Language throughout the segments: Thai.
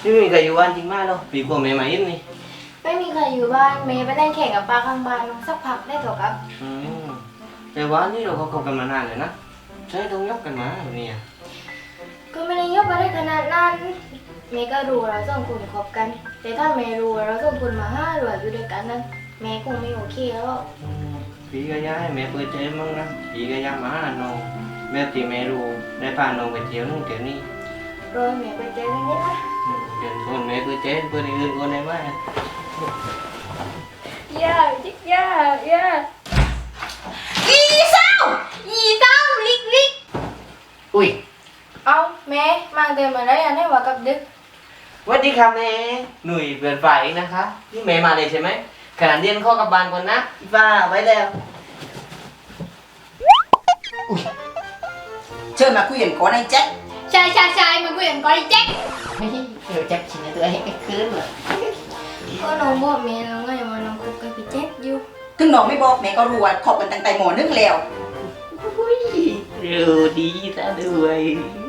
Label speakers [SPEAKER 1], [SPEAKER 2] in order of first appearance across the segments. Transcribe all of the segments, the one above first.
[SPEAKER 1] ไม่มีใครอยู่บ้านจริงมากหรอกปีกว่าแม่มาเย็นนี่
[SPEAKER 2] ไม่มีใครอยู่บ้านเมย์ไปเล่นแข่งกับปลาข้างบ้านสักพักได้เถอะครับ
[SPEAKER 1] แต่ว่านี่เราก็คบกันมานานเลยนะใช่ต้องยกกันมาแบบนี้
[SPEAKER 2] ก็ไม่ได้ยกมาได้ขนาดนั้นเมย์ก็รู้เราสองคนคบกันแต่ถ้าเมย์รู้เราสองคนมาห้าหรืออยู่ด้วยกันนั้นเมย์คงไม่โอเคแล้ว
[SPEAKER 1] พี่ก็ย้ายแม่เปิดใจมั่งนะพี่ก็ย้ายมาหาน้องแม่ตีแม่รู้ได้พาน้องไปเที่ยวนู่นเที่ยวนี่
[SPEAKER 2] โดยเมย์เปิดใจเรื่องนี้นะ
[SPEAKER 1] เดินคนแม่เปิดใจเปิดอื่นคนไหนบ้าง
[SPEAKER 2] ย่าจิ๊กย่าอีเศร้าลิก
[SPEAKER 1] อุ้ย
[SPEAKER 2] เอาแม่มาเดินมาได้ยังได้ว่ากับดึก
[SPEAKER 1] สวัสดีครับแม่หนุ่ยเปลี่ยนฝ่ายเองนะคะนี่แม่มาเลยใช่ไหมขนาดเรียนข้อกับบ้านก่อนนะพี่ฟ้าไว้แล้ว
[SPEAKER 3] เชิญมาคุยกันก่อนไอ้แจ็ค
[SPEAKER 2] ใช่มาคุยกันก่อนไอ้แจ็ค
[SPEAKER 1] เดี๋ยวแจ็คชินตัวให้คืนเลย
[SPEAKER 2] ก็น้องบอกเมย์แล้วไงว่าน้องคบกับพี่แจ็คอยู่
[SPEAKER 3] ถึงน้องไม่บอกแม่ก็รู้ว่าคบกันตั้งแต่หมอนึงแล้ว
[SPEAKER 1] เร็วดีซะด้วย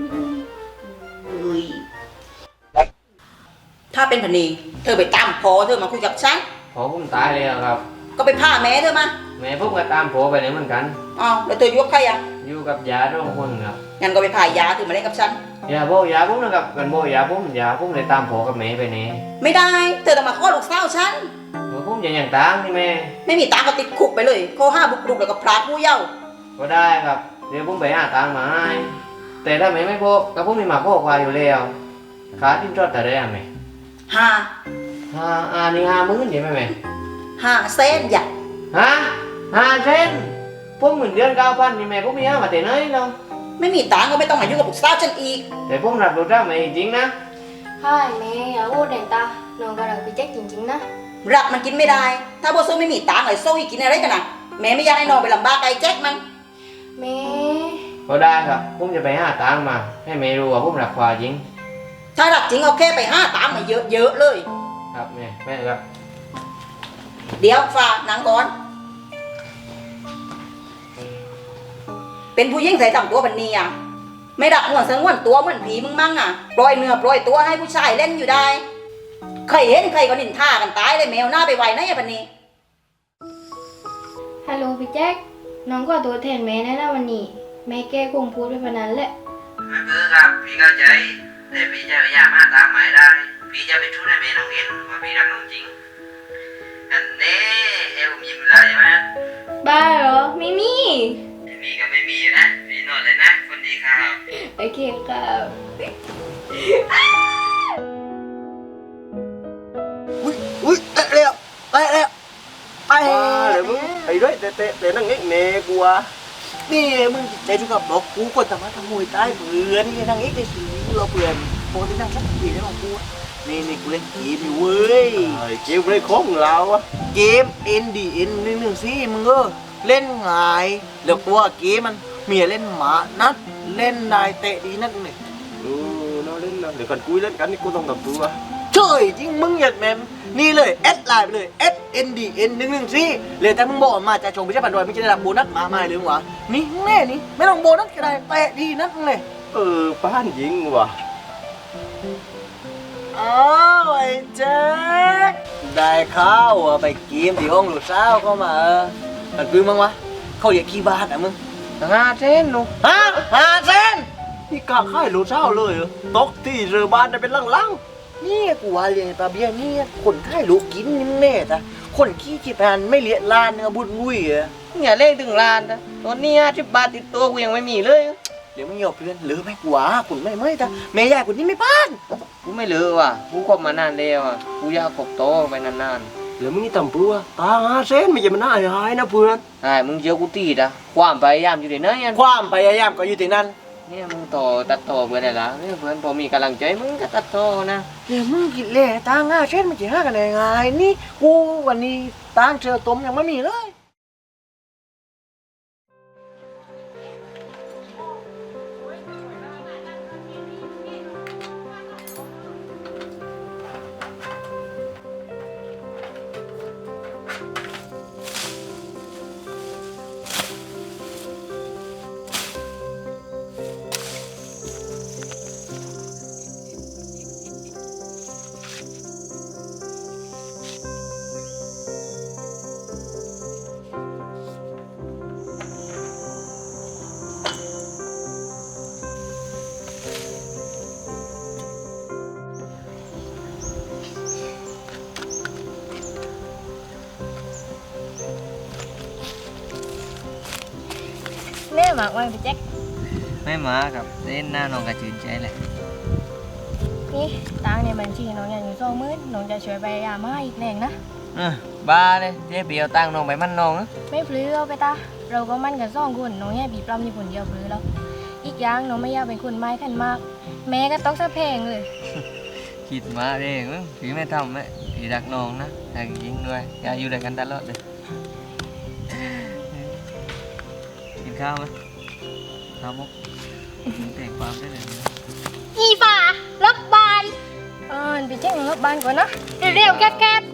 [SPEAKER 3] ถ้าเป็นพันนีเธอไปตามพอเธอมาคุยกับฉัน
[SPEAKER 1] พอผมตายแล้วครับ
[SPEAKER 3] ก็ไปพาแม่เธอมา
[SPEAKER 1] แม่ผมก็ตามพอไปเลยเหมือนกัน
[SPEAKER 3] อ้าวแล้วเธออยู่กับใครอ่ะ
[SPEAKER 1] อยู่กับยาทุกคนครับ
[SPEAKER 3] งั้นก็ไปพายาเธอมาเล่นกับฉัน
[SPEAKER 1] ยาผมนะครับกันยาผมเลยตามพอกับแม่ไปนี่
[SPEAKER 3] ไม่ได้เธอต้องมาข้อลูกสาวฉัน
[SPEAKER 1] ผมอย่างตังนี่แม่
[SPEAKER 3] ไม่มีตังก็ติดคุกไปเลยข้อ5บุกรุกแล้วก็พรากผู้เยาว์
[SPEAKER 1] ก็ได้ครับเดี๋ยวผมไปหาตังมาให้แต่ถ้าแม่ไม่พอก็ผมมีมาข้อควายอยู่แล้วขาทิ้งจอดแต่ได้ไหมนี่50,000ใช่ไหมแม่
[SPEAKER 3] 5 เซนอย่า
[SPEAKER 1] 5 เซนผมเหมือนเดือน9,000นี่แม่ผมมีมาแต่ไหนเนาะ
[SPEAKER 3] ไม่มีตังก็ไม่ต้องมายุ่งกับลูกสาวฉันอีก
[SPEAKER 1] แต่ผมรับรู้ได้ไหมจริงนะ
[SPEAKER 2] ใช่แม่อย่าพูดเด่นตาน้องก็รักพี่แจ็คจริงๆนะ
[SPEAKER 3] รักมันกินไม่ได้ถ้าโบโซไม่มีตังเลยโซ่กินอะไรกันนะแม่ไม่อยากให้น้องไปลำบากไอ้แจ็คมัน
[SPEAKER 2] แม่
[SPEAKER 1] ก็ได้ครับผมจะไปหาตังมาให้แม่รู้ว่าผมรักควายจริง
[SPEAKER 3] ถ้ารักจริงเอาแค่ไป5 ตังมาเยอะๆเลย
[SPEAKER 1] ครับแม่ครับ
[SPEAKER 3] เดี๋ยวฝากหนังก่อนเป็นผู้หญิงใส่ต่ำตัวบันนี้อ่ะไม่รักหัวสงวนตัวเหมือนผีมึงมั่งอ่ะปล่อยเนื้อปล่อยตัวให้ผู้ชายเล่นอยู่ได้ใครเห็นใครก็นินท่ากันตายเลยแมวหน้าไปไวนะไอ้บันนี้
[SPEAKER 2] ฮัลโหลพี่แจ็คน้องก็ตัวแทนแม่นะวันนี้แม่แกคงพูดไปพนันแหละ
[SPEAKER 1] ครับพี่เข้าใจแต่พี่จะพยายามหาตามหมายได้พี่จะไปช่วยให้แม่น้องเห็นว่าพี่รักน้องจริงอันนี้ผมยิ้มเลยใช่ไหม
[SPEAKER 2] บ้าเหรอไม่มี
[SPEAKER 1] ก็ไม่มีนะพี่นอนเลยนะคนดีครับ
[SPEAKER 2] โอเคครับ
[SPEAKER 4] อุ้ยเตะแล้วไปเลยมึงไอ้ด้วยเตะนั่งเงี้ยเมย์กูอ่ะนี่มึงใจจุกับบอกกูคนทำมาทำมวยใต้เพื่อนนี่นั่งเงี้ยได้สิเราเพื่อนปกตินั่งชักปีได้ของกูนี่กูเล่นเกมอยู่เว้ยเกมเล่นของเราอะเกม NDN 1 สิมึงก็เล่นง่ายแล้วตัวเกมมันเมียเล่นหมานัดเล่นนายเตะดีนักเนี่ยเราเล่นนะเดี๋ยวกันกูเล่นกันนี่กูต้องทำตัวเฉยจริงมึงหยัดแมมนี่เลยแอดไลน์ไปเลย SNDN 1 สิเลยแต่มึงบอกมาจะชงไปใช่ปันดอยไม่จะได้รับโบนัสมาไม่หรือวะนี่แน่นี่ไม่ต้องโบนัสก็ได้เตะดีนักเลยป้านยิงว่ะอ้าวไอ้แจ็คได้ข้าวไปกินที่ห้องลูกสาวเข้ามามันปื้มมั้งวะเขาเรียกขี้บ้านอ่ะมึง
[SPEAKER 1] 5 เซนลูก
[SPEAKER 4] 5 เซนนี่กล้าค่ายลูกสาวเลยตกที่เรือบ้านได้เป็นลังๆนี่กูว่าเลี้ยงตาเบี้ยนี่คนค่ายลูกกินนี่แน่แต่คนขี้ขี้แพนไม่เลี้ยล้านเนื้อบุญงุ้ยอ่ะ
[SPEAKER 1] อย่าเล่นถึงล้านนะตอนนี้50 บาทติดตัวกูยังไม่มีเลย
[SPEAKER 4] เดี๋ยวไม่หยอกเพื่อนหรือไม่กว่าคุณไม่แต่แม่ยายคุณนี่ไม่ป้าน
[SPEAKER 1] กูไม่ลือว่ะกูคบมานานแล้วอ่ะกูอยากคบโตไปนาน
[SPEAKER 4] ๆแล้วมึงนี่ต่ำปัวตา5 เซนไม่ใช่มันน่าหายนะเพื่อน
[SPEAKER 1] ใช่มึงเจอกูตีดอะความพยายามอยู่ที่ไหน
[SPEAKER 4] ความพยายามก็อยู่ที่นั่น
[SPEAKER 1] เนี่ยมึงตัดต่อเพื่อนได้ละเนี่ยเพื่อนพอมีกำลังใจมึงก็ตัดต่อนะ
[SPEAKER 4] เดี๋ยวมึงกินเล่ตา5 เซนมันจะหากันได้ไงนี่กูวันนี้ตาเจอต้มยังไม่มีเลย
[SPEAKER 2] หมากไว้พี่แจ็ค
[SPEAKER 1] ไม่มากับเล่นหน้าน้องกระจืนใจแหละ
[SPEAKER 2] นี่ตังค์ในบัญชีน้องยังอยู่20,000น้องจะช่วยไปยามาอีกแรงนะ
[SPEAKER 1] บ้าเลยเจ๊เปียวตั้งน้องไปมั่นน้องนะ
[SPEAKER 2] ไม่พลื้เอาไปตาเราก็มั่นกัน2คนน้องแย่บีปล้ำอยู่คนเดียวพลื้แล้วอีกอย่างน้องไม่อยากเป็นคนไม้ขันมาก แม่ก็ต้องสะเพงเลย
[SPEAKER 1] คิดมาเองมั้งพี่ไม่ทำไหมพี่รักน้องนะรักจริงด้วยอยากอยู่ด้วยกันตลอดเลยกินข้าวไหมครับมุกแต่งความได้เลยนะ
[SPEAKER 2] อีฝ่ารับบานพี่แจ็ครับบ้านก่อนนะเร็วๆแก๊บ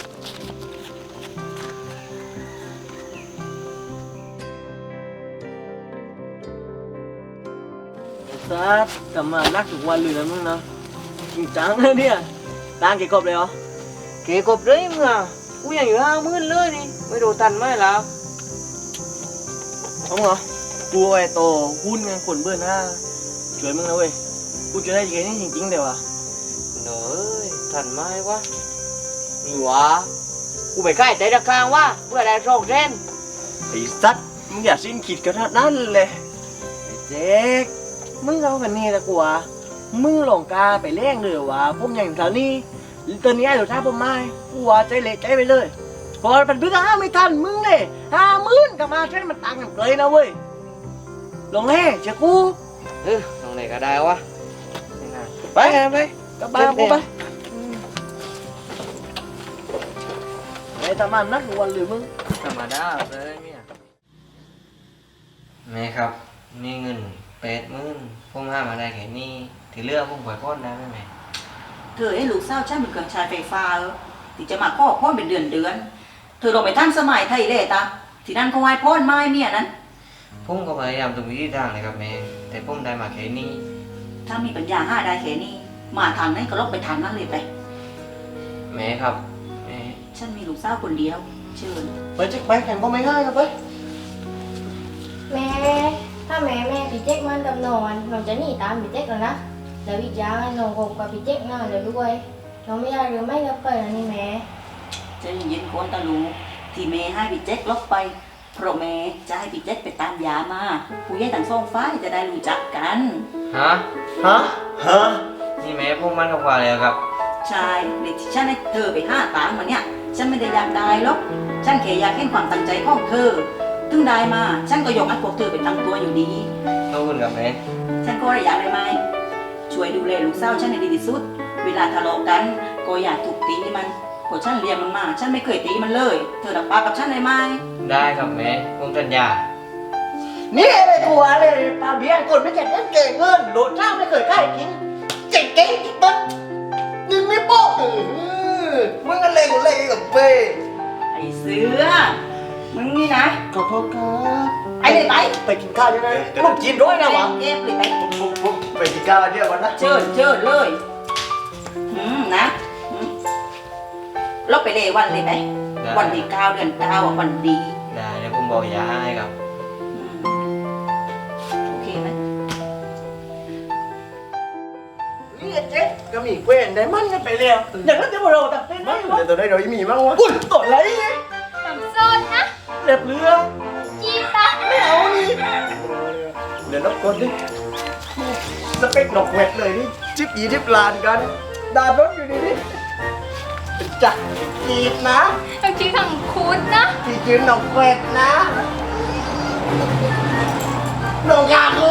[SPEAKER 4] ซัดกลับมานักทุกวันเลยนะมึงนะจริงจังนะเนี่ยตังค์เก็บครบเลยเหรอ
[SPEAKER 1] เก๋กบเลยมึงอ่ะกูยังอยู่50,000เลยนี่ไม่ดูทันไหมแล้ว
[SPEAKER 4] เอาเหรอกูไอ้โตหุ้นเงินคนเบิ้ลห้าช่วยมึงนะเว้ยกูจะได้เงินนี่จริงๆเดี๋ยวอ่ะ
[SPEAKER 1] หนูเอ้ยทันไหมวะหรือวะกูไปใกล้ใจตะกลางวะเพื่อได้โชคเส้น
[SPEAKER 4] ไอ้ซัดมึงอย่าสิ้นคิดกันนั่นเลยไอ้เจ๊กมึงเอากันนี่ละกูวะมึงหลงกาไปเล่งเลยวะผมอย่างแถวนี้ตอนนี้ไอ้หนูท้าผมไม่กูวะใจเละใจไปเลยพอเป็นพึ่งห้าไม่ทันมึงเลย50,000กับมาเช่นมันตังค์กันเลยนะเว้ยลงแน่เจ้ากู
[SPEAKER 1] ตรงไหนก็ได้วะ
[SPEAKER 4] ไปไปกลับบ้านกูไปไอ้ทำมันนักวันหรือมึง
[SPEAKER 1] ธรรมดาเลยเนี่ยแม่ครับนี่เงิน80,000ผมห้ามาได้แค่นี้ที่เหลือผมปล่อยพ่อนได้ไหมแม่
[SPEAKER 3] เธอให้ลูกสาวฉันเป็นเครื่องใช้ไฟฟ้าที่จะมาข้อพ่อเป็นเดือนเธอลงไปท่านสมัยไทยเลยตาที่นั่นเขาไหว้พ่อไม้เมียนั้น
[SPEAKER 1] ผมก็พยายามทุกวิธีทางเลยครับแม่แต่ผมได้มาแค่นี้
[SPEAKER 3] ถ้ามีปัญญาได้แค่นี้มาทางนั้นก็ลบไปทางนั้นเลยไป
[SPEAKER 1] แม่ครับแม่
[SPEAKER 3] ฉันมีลูกสาวคนเดียวเชิญ
[SPEAKER 4] ไปจิกไปแข่งก็ไม่ง่ายครับไป
[SPEAKER 2] แม่ถ้าแม่พี่แจ็คมันกับน้องจะหนีตามพี่แจ็คแล้วนะแล้วอีกอย่างน้องคบกับพี่แจ็คน่าเลยด้วยน้องไม่อยากหรือไม่กับใครแล้วนี่แม่
[SPEAKER 3] ใจเย็นๆคนตะลูที่เมย์ให้พี่แจ็คลบไปเพราะเมย์จะให้พี่แจ็คไปตามยามาผู้ใหญ่ต่างสองฝ่ายจะได้รู้จักกัน
[SPEAKER 1] ฮะ
[SPEAKER 4] ฮะฮะ
[SPEAKER 1] นี่แม่ผมมันกับกว่าเลยครับ
[SPEAKER 3] ใช่เด็กที่ฉันให้เธอไป5 ตังค์มาเนี่ยฉันไม่ได้อยากได้หรอกฉันแค่อยากเห็นความตั้งใจของเธอถึงได้มาฉันก็ยกให้พวกเธอไปตั้งตัวอยู่ดี
[SPEAKER 1] ขอบคุณครับแม่
[SPEAKER 3] ฉันก็อยากได้ไหมช่วยดูแลลูกสาวฉันให้ดีที่สุด เวลาทะเลาะกันก็อย่าถูกตีมันเพราะฉันเลี้ยงมันมาฉันไม่เคยตีมันเลย เธอรับปากกับฉันได้ไหม
[SPEAKER 1] ได้ครับแม่ผมสัญญา
[SPEAKER 4] นี่ไอ้ตัวเลยตาเบี้ยคนไม่เก่งเก่งเงินโดดเจ้าไม่เคยใกล้กินเก่งเก่งจริงปะยิงไม่โป๊ะมึงกันเล่นกูเล่นกับเป้
[SPEAKER 3] ไอ้เสือมึงนี่นะ
[SPEAKER 4] ขอโทษครับ
[SPEAKER 3] ไอ้เลยไป
[SPEAKER 4] ไปกินข้าวยังไงลูกจีนด้วยนะวะ
[SPEAKER 3] เก็บเลยไป
[SPEAKER 4] ผมไปกินข้าวเดียววันนะ
[SPEAKER 3] เชิญเลยนะลบไปเลยวันเลยไปวันที่9 เดือน 9อ่ะวันดี
[SPEAKER 1] ได้เดี๋ยวผมบอกยาให้ครับ
[SPEAKER 3] โอเคไหม
[SPEAKER 4] นี่เจ๊ก็มีเกวนได้มันกันไปแล้วอย่างนั้นจะมาเราตัดเต้นไหมเดี๋ยวตัวได้เรามีมั้งวะอุ้ยตัวไรเนี่ย
[SPEAKER 2] ทำโซนนะ
[SPEAKER 4] เรียบเรือ
[SPEAKER 2] จีตา
[SPEAKER 4] ไม่เอานี่เดี๋ยวนับคนดิสเปคหนกเวทเลยนี่จิบยี่จิบลานกันดานรถอยู่นี่นี่จักจีบนะ
[SPEAKER 2] ต้องชื่อทางคุณนะ
[SPEAKER 4] ที่จืนหนกเวทนะหนกยาคุ